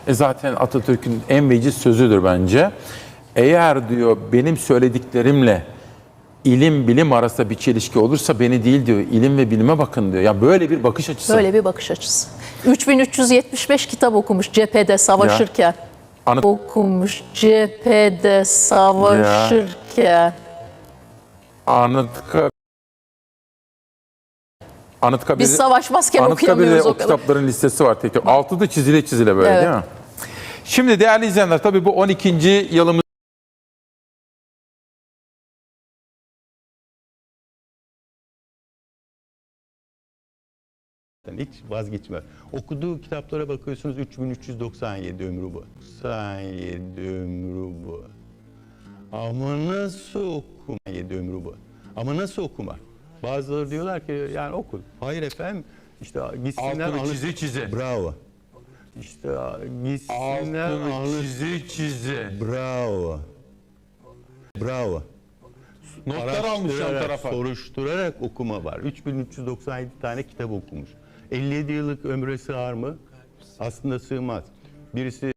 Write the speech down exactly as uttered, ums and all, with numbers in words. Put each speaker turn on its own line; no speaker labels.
E zaten Atatürk'ün en veciz sözüdür bence. Eğer diyor benim söylediklerimle ilim bilim arasında bir çelişki olursa beni değil diyor, ilim ve bilime bakın diyor. Ya böyle bir bakış açısı.
Böyle bir bakış açısı. üç bin üç yüz yetmiş beş kitap okumuş cephede savaşırken.
Anıt-
Okumuş cephede savaşırken.
Anıtkabir Anıtkabir
Biz savaşmazken
Anıtkabir'de
okuyamıyoruz
o
o kadar.
kitapların listesi var tekrar. Altıda çizile çizile böyle
Evet.
değil mi? Şimdi değerli izleyenler tabii bu on ikinci yılımız
Hiç vazgeçmez. Okuduğu kitaplara bakıyorsunuz üç bin üç yüz doksan yedi ömrü bu. doksan yedi ömrü bu. Ama nasıl okuma? yedi ömrü bu. Ama nasıl okuma? Bazıları diyorlar ki yani oku. Hayır efendim. İşte gitsinler
altını
anı-
çize çize.
Bravo. İşte gitsinler
Altını
anı-
çize çize.
Bravo. Bravo.
Notlar almış yan
Araştırarak,
tarafa.
soruşturarak okuma var. üç bin üç yüz doksan yedi tane kitap okumuş. elli yedi yıllık ömre sığar mı? Aslında sığmaz. Birisi